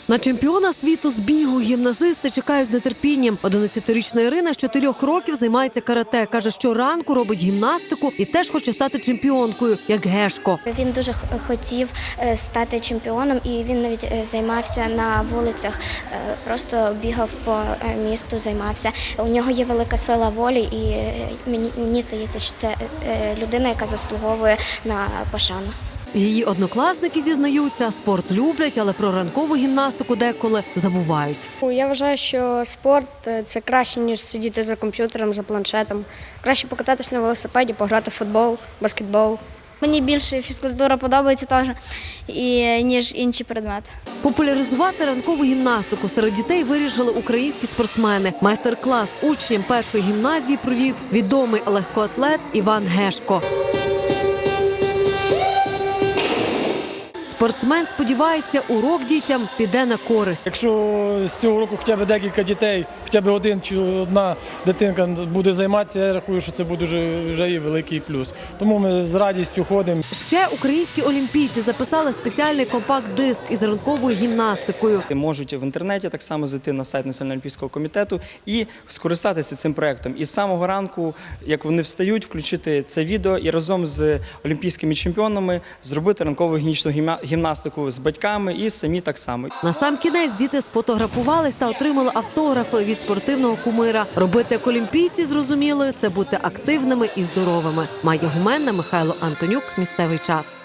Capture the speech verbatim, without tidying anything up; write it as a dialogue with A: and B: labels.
A: На чемпіона світу з бігу гімназисти чекають з нетерпінням. одинадцятирічна Ірина з чотирьох років займається карате. Каже, що ранку робить гімнастику і теж хоче стати чемпіонкою, як Гешко.
B: Він дуже хотів стати чемпіоном і він навіть займався на вулицях, просто бігав по місту, займався. У нього є велика сила волі і мені, мені здається, що це людина, яка заслуговує на пошану.
A: Її однокласники зізнаються, спорт люблять, але про ранкову гімнастику деколи забувають.
C: Я вважаю, що спорт – це краще, ніж сидіти за комп'ютером, за планшетом. Краще покататись на велосипеді, пограти в футбол, баскетбол.
D: Мені більше фізкультура подобається теж, і, ніж інші предмети.
A: Популяризувати ранкову гімнастику серед дітей вирішили українські спортсмени. Майстер-клас учням першої гімназії провів відомий легкоатлет Іван Гешко. Спортсмен сподівається, урок дітям піде на користь.
E: Якщо з цього року хоча б декілька дітей, хоча б один чи одна дитинка буде займатися, я рахую, що це буде вже, вже і великий плюс. Тому ми з радістю ходимо.
A: Ще українські олімпійці записали спеціальний компакт-диск із ранковою гімнастикою.
F: Можуть в інтернеті так само зайти на сайт Національного олімпійського комітету і скористатися цим проєктом. І з самого ранку, як вони встають, включити це відео і разом з олімпійськими чемпіонами зробити ранкову гігієнічну гімнастику з батьками і самі так само.
A: Насамкінець діти сфотографувались та отримали автографи від спортивного кумира. Робити як олімпійці, зрозуміли, це бути активними і здоровими. Майя Гуменна, Михайло Антонюк. Місцевий час.